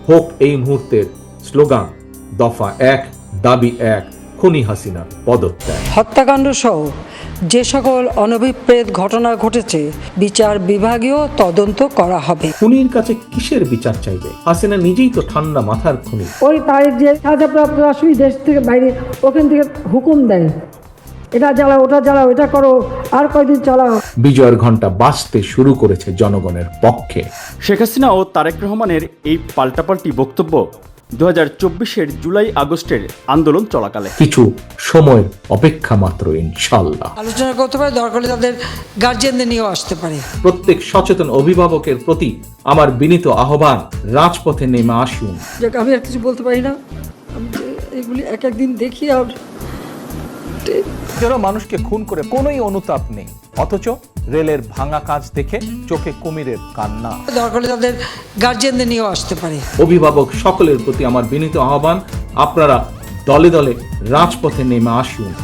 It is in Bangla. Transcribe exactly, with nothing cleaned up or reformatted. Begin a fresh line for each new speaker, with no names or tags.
হোক এই মুহূর্তের স্লোগান দফা এক, দাবি এক, খুনি হাসিনার পদত্যাগ।
হত্যাকাণ্ড সহ যে সকল অনভিপ্রেত ঘটনা ঘটেছে বিচার বিভাগীয় তদন্ত করা হবে।
খুনির কাছে কিসের বিচার চাইবে? হাসিনা নিজেই তো ঠান্ডা মাথার খুনি।
ওই তারিখ যে সাজাপ্রাপ্ত রাষ্ট্রপতি দেশ থেকে বাইরে ওখান থেকে হুকুম দেয়, এটা জ্বালাও, ওটা জ্বালাও, এটা করো, আর কয়দিন চালাও।
বিজয়ের ঘণ্টা বাজতে শুরু করেছে জনগণের পক্ষে।
শেখ হাসিনা ও তারেক রহমানের এই পাল্টাপাল্টি বক্তব্য দু হাজার চব্বিশের জুলাই আগস্টের আন্দোলন চলাকালে।
কিছু সময়ের অপেক্ষা মাত্র, ইনশাল্লাহ।
আলোচনা করতে পারে, দরকার হলে তাদের গার্জিয়ানদের নিয়েও আসতে পারে।
প্রত্যেক সচেতন অভিভাবকের প্রতি আমার বিনীত আহ্বান, রাজপথে নেমে আসুন।
যাক, আমি আর কিছু বলতে পারি না, আমি যে এগুলি এক একদিন দেখি আর
যারা মানুষকে খুন করে কোনোই অনুতাপ নেই, অথচ রেলের ভাঙা কাজ দেখে চোখে কুমিরের কান্না।
দরকার হলে তাদের গার্জিয়ানদের নিয়েও আসতে পারে।
অভিভাবক সকলের প্রতি আমার বিনীত আহ্বান, আপনারা দলে দলে রাজপথে নেমে আসুন।